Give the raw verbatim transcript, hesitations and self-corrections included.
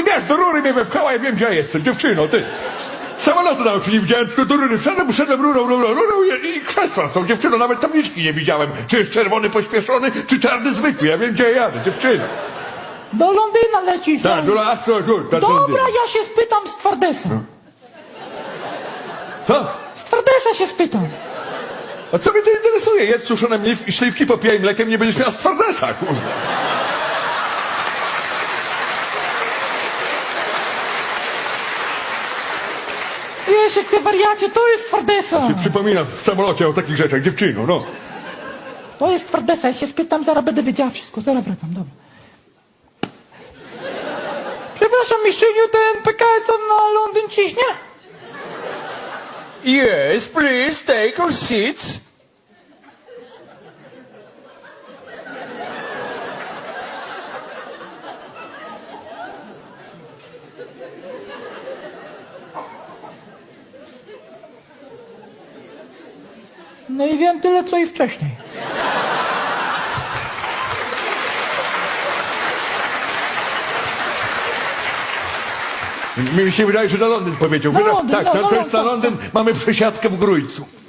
wiesz, do rury mnie wepchała, ja wiem, gdzie ja jestem, dziewczyno, ty. Samolotu nawet nie widziałem, tylko do rury wszedłem, wszedłem rurą, rurą, rurą i, i krzesła z tą dziewczyną, nawet tabliczki nie widziałem. Czy jest czerwony pośpieszony, czy czarny zwykły, ja wiem, gdzie ja jadę, dziewczyno. Do Londyna lecisz. Tak, do Astro, do, do, Dobra, ja się spytam stwardesa. Co? Stwardesa się spytam. A co mnie to interesuje? Jedz suszone mliw- śliwki, popijaj mlekiem, nie będziesz miała stwardesa, kurwa. Wiesz, jak ty wariacie, to jest stwardesa. Się przypominam w samolocie o takich rzeczach, dziewczyno, no. To jest stwardesa, ja się spytam, zaraz będę wiedziała wszystko. Zaraz wracam, dobra. Przepraszam, mistrzyniu, ten P K S on na Londyn ciśnie? Yes, please take your seats. No i wiem tyle, co i wcześniej. Mi się wydaje, że na Londyn powiedział. Na Wyda- Londyn, tak, no, to, no, to jest no, na tak, Londyn, mamy przesiadkę w Grójcu.